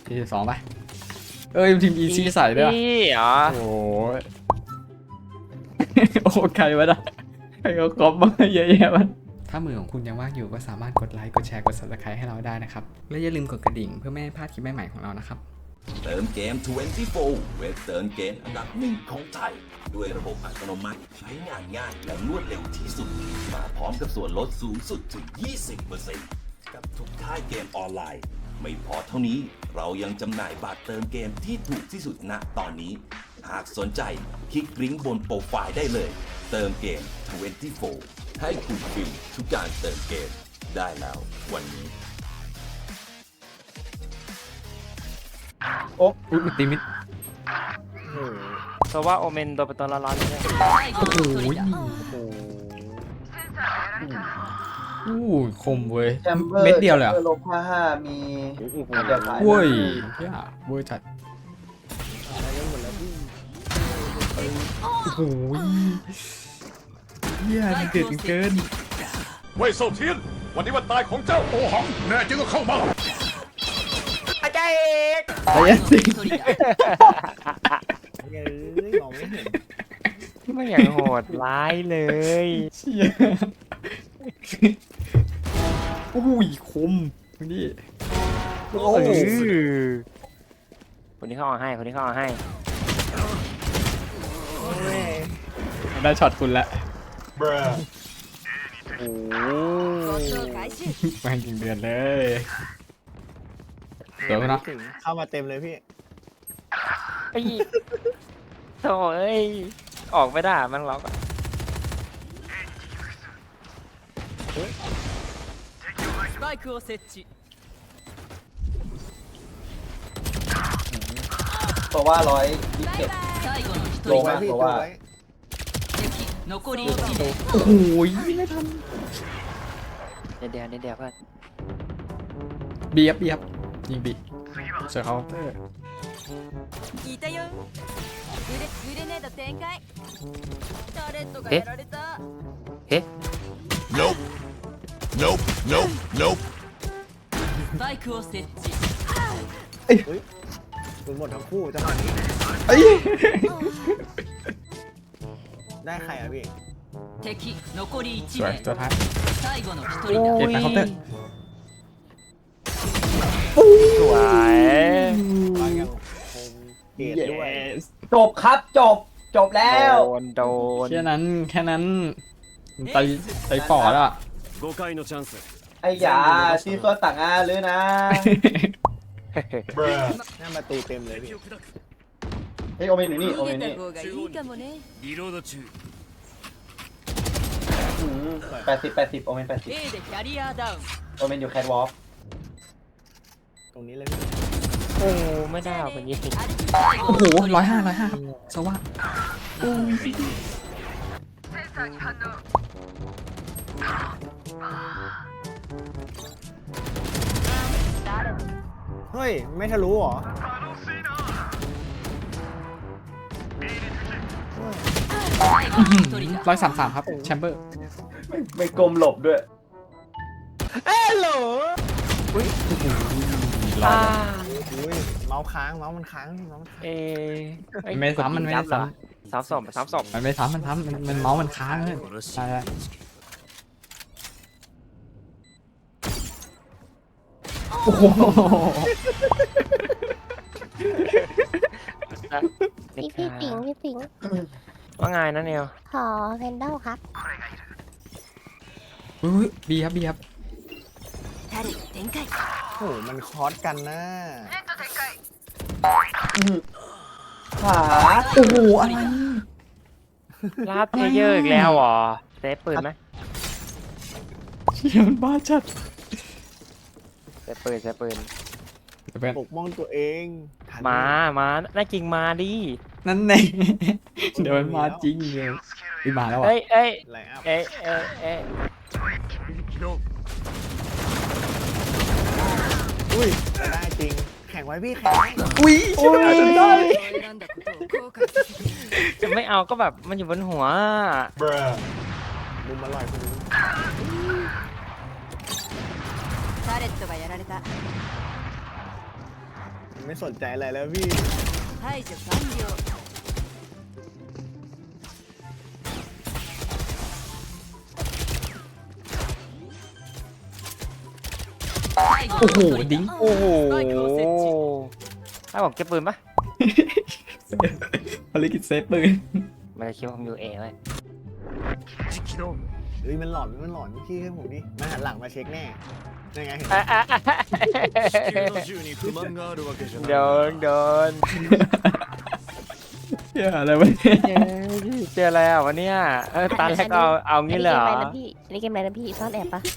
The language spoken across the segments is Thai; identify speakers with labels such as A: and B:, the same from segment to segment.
A: 42ไปทีมอีซีใส่ด้วย
B: เหรอ
A: โอ้ยโอ้ใครวะนะใครก็ก๊อปมาเยอะแยะมันถ้ามือของคุณยังว่างอยู่ก็สามารถกดไลค์กดแชร์กด Subscribe ให้เราได้นะครับและอย่าลืมกดกระดิ่งเพื่อไม่ให้พลาดคลิปใหม่ๆของเรานะครับ
C: เติมเกม 24 เว็บเติมเกมอันดับหนึ่งของไทย ด้วยระบบอัตโนมัติใช้งานง่ายและรวดเร็วที่สุด มาพร้อมกับส่วนลดสูงสุดถึง 20% กับทุกค่ายเกมออนไลน์ ไม่พอเท่านี้เรายังจำหน่ายบัตรเติมเกมที่ถูกที่สุดณตอนนี้ หากสนใจคลิกลิงก์บนโปรไฟล์ได้เลย เติมเกม 24 ให้คุณฟรีทุกการเติมเกมได้แล้ววันนี้
A: โอ้ยตีมิด
B: เพราะว่าโอเมนโดนไปตอนร้อนๆเลย
A: โอ้โหคมเว้ย
D: แชมเบอร์
A: เม็ดเดียวเลยเหรอ
D: ลบ55มีเดียวขาย
A: เว้ยเหี้ยเว้ยจัดโอ้โหเหี้ยมันเดือดเกิน
E: เว่ยเซาเทียน วันนี้วันตายของเจ้าโอหัง แน่จริงก็เข้ามา
B: อาจารย์เอก
A: ไอ้ยันสิ
F: มองไม่เห็น
B: ไม่อย่างโหดร้ายเลย
A: เชี่ยโอ้ยคมนี่
B: โอ้คนนี้เข้าเอาให้คนนี้เข้าเอาให้
A: ได้ช็อตคุณละ
B: โอ้
A: แม่งจริงเดือนเลยเดี๋ยวนะ
F: ถึงเข้ามาเต็มเลยพี่
B: ไอ้โถ่เอ้ยออกไม่ได้มันล็อกอะ
G: スパイクを設置
D: ตัวว่า127
G: 最後の一
D: ล
G: 人
D: ง
F: ไว้
D: มา
F: พี่
D: ตัว
F: ตัว
D: ว่า
F: ไว้
G: 敵残り1名
A: โอ้โหไม่ทัน
B: เดี๋ยวเพื่อน
A: บีครับยิงบีเสือเขา
G: 聞いたよグレネード展開タレットがやられた
E: Nope Nope Nope Nope
G: スパイクを設置
F: คุณหมดทั้งคู่จังหวะนี้
A: เอ้ย
F: ได้ใครอ่ะพี่
G: 敵残り
A: สวย
G: 1
A: ตัว
G: 名
A: ท้าย
G: 最後の1
B: โอ้
G: 人だ
A: เก็บไปเคาน์เตอร์
B: สวย
F: มาอย่างคมเกตด้วย
D: จบครับจบแล้ว
B: โดน
A: แค่นั้นไตฝ่อแล้วอะ
E: 5回のチャンス
D: ไอ้หยาที่ก็ต่างอาหรือนะ
F: หน้าประตูเต็มเลยพี่
D: เฮ้ยโอเมนอยู่นี่โอ
G: 逃
D: เม
G: げ
D: น
G: た
D: นี่
G: 方がいいかもね
E: リロード中
D: 80โอเมน
G: A でキャリアダウン
D: 80โอเมนอยู่แคทวอล์ก
F: ตรงนี้เลยพี่
B: โอ้ไม่ได้เอาคนยิง
G: 最
A: โอ้
G: 後
A: โห
G: の1人
A: 105ครับสวัสด
F: เฮ้ยไม่ทะลุเหรอ
G: 最後の1人だ
A: 133ครับแชมเบอร์
D: ไม่กลมหลบด้วย
B: อ่า
F: อุ้ยเมาส์ค้างเมาส์มันค้างเมาส์มันค้าง
B: เอ้ย
A: ไม่ซ้ำมันไม่ได้ซ้
B: ซ้ำศพ
A: ำมันไม่ซ้ำมันเมาส์มันค้างเลยใช่โอ้โห
H: พี่ปิง
B: ว่าไงนะเนียว
H: ขอเพนเดลครับ
A: บีครับ
G: タレット展開
F: โอ้โหมันคอสกันนะ
D: ขา
A: โอ้โหอะไร
B: ลาดเพลเยอร์อีกแล้วเหรอเซฟปืนไหม
A: เชี่ยมันบ้าจัด
B: เซฟปืน
A: เป็น
F: ปกป้องตัวเองทัน
B: มาน่าจริงมาดิ
A: นั่นไงเดี๋ยวมันมาจริงเลยมาแล้วอ่ะ
B: เอ้ย
F: ไลน์อัพ อุ้ยได้จริง แข่งไว้พี่แข่งไว้
A: อุ้ยชนะจนได้
G: 選んだことを後悔させている
B: จะไม่เอาก็แบบมันอยู่บนหัว
F: มุมอร่อยคุณ
G: タレットがやられた
F: ไม่สนใจอะไรแล้วพี่
G: 排除完了
A: โอ้โหดิ้ง
B: โอ้โหให้ผมเก็บปืนปะ
A: ภารกิจเซฟปืน
B: ไม่ได้คิดว่าผมอยู่เอไว้
F: เฮ้ยมันหลอนพี่ให้ผมดิมาหันหลังมาเช็คแน่ยังไงเห็นไหม
B: โดน
A: เหี้ยอะไรวะเนี่ย
B: เจออะไรอ่ะวันเนี้ยตอนแรกเอางี้เลยเหรอ
H: อันนี้เกมอะไรนะพี่ซ่อนแอบปะ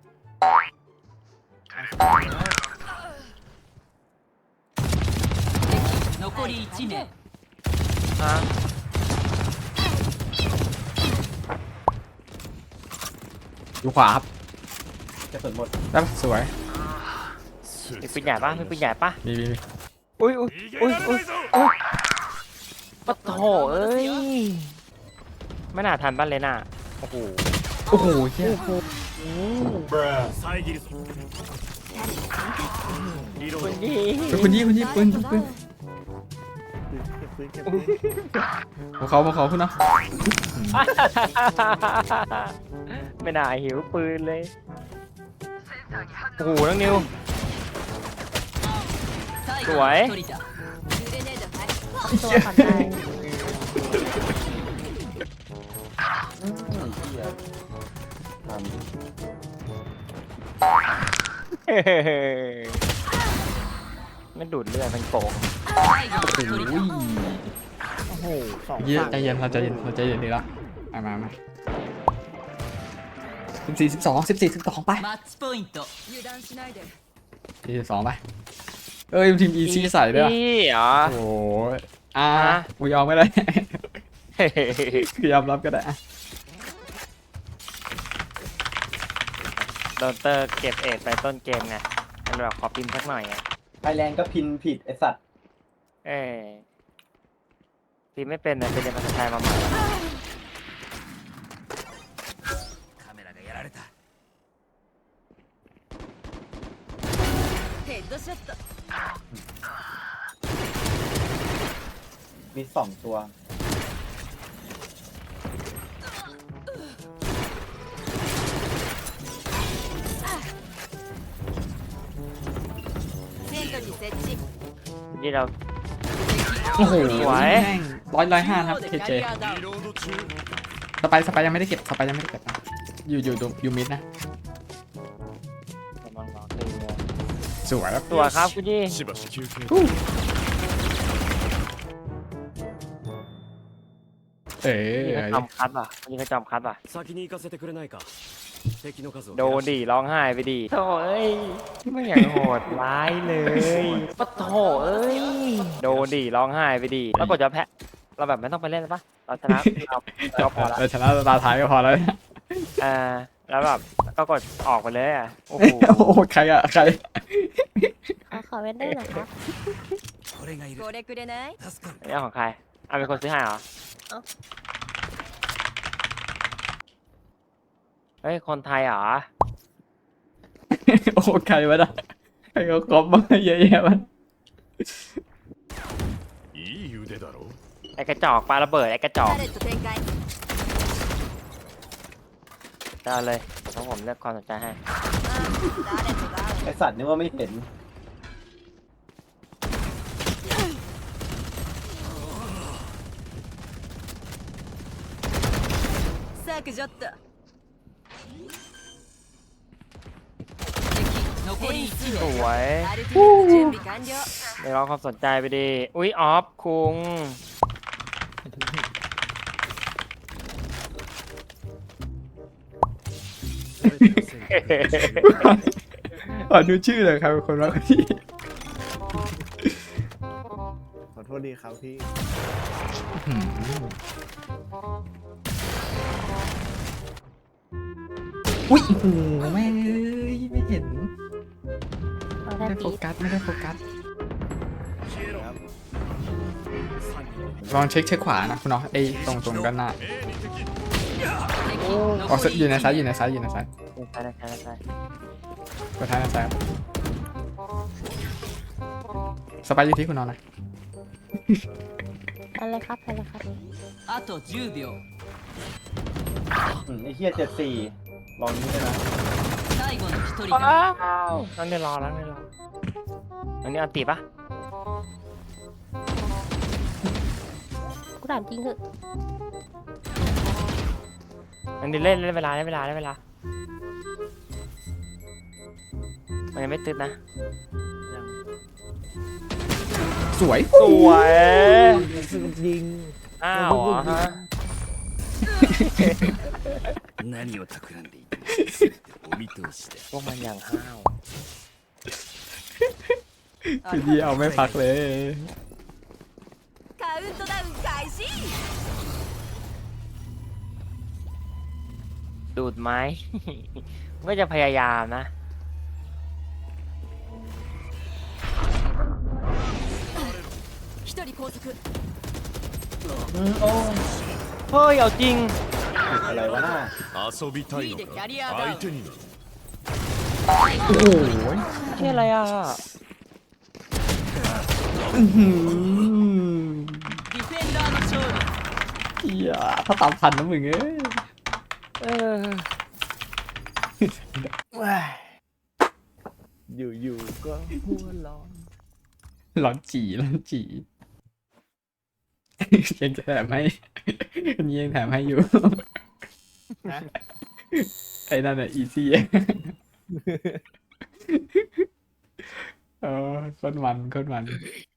G: 残り1名
B: ฮะ
A: อยู่ขวาครับ
D: กระสุนหมด
A: ได้ปะสวย
B: มีปืนใหญ่ปะมีปืนใหญ่ปะ
A: มี
B: อุ้ยปะโถเอ้ยไม่น่าทันบ้านเลยน่ะโอ้โห
A: โอ้โหเหี้ย
B: คุณดี
A: คุณยี่ปืน
F: เก็บปืน
A: พวกเขาคุณเนาะ
B: ไม่น่าหิวปืนเลยโอ้โหน้องนิว
G: 最
B: 後の一
G: 人だグレネード発
H: ตัวก่อนได้
B: ไม่ดูดเลือดมันโกง
G: 最後の一人だ
F: โอ้โหสอง
A: เยี่ย
F: ฝั่ง
A: ใจเย็นเราใจเย็นดีแล้วมา14 12ไป
G: マッチポイント油断しないで
A: 42ไปเอ้ยทีมอีซี่ใส่ด้วย
B: พี่เหรอ
A: โอ้โหกูยอมไม่ได้ คือยอมรับก็ได้
B: โดนเตอร์เก็บเอ็ดไปต้นเกมไงมันแบบขอพิมพ์สักหน่อยไง
D: ไทยแลนด์ก็พินผิดไอสัตว์
B: เอ้ยพิมพ์ไม่เป็นนะไปเรียนภาษาไทยมาใหม่
G: ヘッドショット
D: มี2 ตัว
G: セントリー設置
B: ที่เรา
A: โอ้โห
B: สวย
A: 105ครับ
G: キャ
A: KJ
G: リアダウン
A: สไปยังไม่ได้เก็บนะอยู่มิดนะ
B: กำลังรอตีเลย
A: สวยครับ
B: ตัวครับคุณยี่
E: しばし休憩
A: เอ๋
B: นี่เขาจอมคัดป่ะนี่เขาจอมคัดป่ะ
I: 先に行かせてくれないか敵の数を
B: โดนดิร้องไห้ไปดิโถเอ้ยไม่อย่างโหดร้ายเลยปะโถเอ้ยโดนดิร้องไห้ไปดิแล้วกดจะแพ้เราแบบไม่ต้องไปเล่นแล้วปะเราชนะเราพอละ
A: ชนะตาท้ายก็พอแล้ว
B: แล้วแบบก็กดออกไปเลยอ่ะโอ้โห
A: โอ้โหใคร
H: ขอเว้นได้หน่อยครับ
I: これがいる
G: これくれない
I: 助かる
B: นี่ของใครเป็นคนซื้อให้เหรอเฮ้ยคนไทยเหรอ
A: โอ้ใครวะนะใครเขาก๊อปมาเยอะแยะมัน
E: いい腕だろう
B: ไอ้กระจอกปาระเบิดไอ้กระจอก
G: パレット展開
B: ได้เลยเพราะผมเลือกความสนใจให้
G: 誰とダウン
D: ไอสัตว์นึกว่าไม่เห็น
G: 削除っと敵残り1
B: ส
G: 名
B: วย
G: アルティメット準備完了
B: ได้รับความสนใจไปดิอุ๊ยออฟคุง
A: ขอดูชื่อเลยครับคนรักที่
F: ขอโทษดีครับพี่
A: อุ้ยโอ้โหแม่งเอ้ยไม่เห็น
H: เอา
A: ไม่
H: ได้
A: ได้โฟ
H: ปี
A: กัสลองเช็คขวานะคุณเนาะไอ้ตรงด้านหน้า
E: A に敵
A: อ๋ออยู่ในซ้าย
B: ใช่ใช่
A: กดท้ายในซ้ายสไปร์อยู่ที่คุณนอนนะ
H: อะไรครับอะไรครับ
G: あと10秒
D: ไอ้เหี้ย74ลองนี้ได้ไหม
G: 最後の1人
B: ว้า
G: だ
B: วนั่งเดี๋ยวรออันนี้อันตีปะ
H: กูถามจริงเหอะ
B: อันนี้เล่นเวลามันยังไม่ตึ๊ดนะ
A: สวย
B: สวย
F: ยิง
B: อ้าวเหรอฮะ
I: 何を企んでいても全てお見通しだ
B: พวกมันอย่างห้าว
A: คือเดียวไม่พักเลย
G: カウントダウン開始
B: ดูดไหม ก็จะพยายามนะ
G: 1人拘束
B: เฮ้ยเอาจริง
D: อะไรวะน่า
E: 遊びたいの
G: いいでキャリア
E: か
G: ダウン
E: 相手になる
B: ชื่ออะไรอ่ะ
G: ディフェンダーの勝利
A: เหี้ยถ้าตามทันนะมึงเอ้ย
B: เออ
F: ว้ายอยู่ๆก็หัวร้อน
A: ร้อนจียังจะแถมให้อันนี้ยังแถมให้อยู่
F: นะ
A: ไอ้นั่นอ่ะอีซี่โคนมัน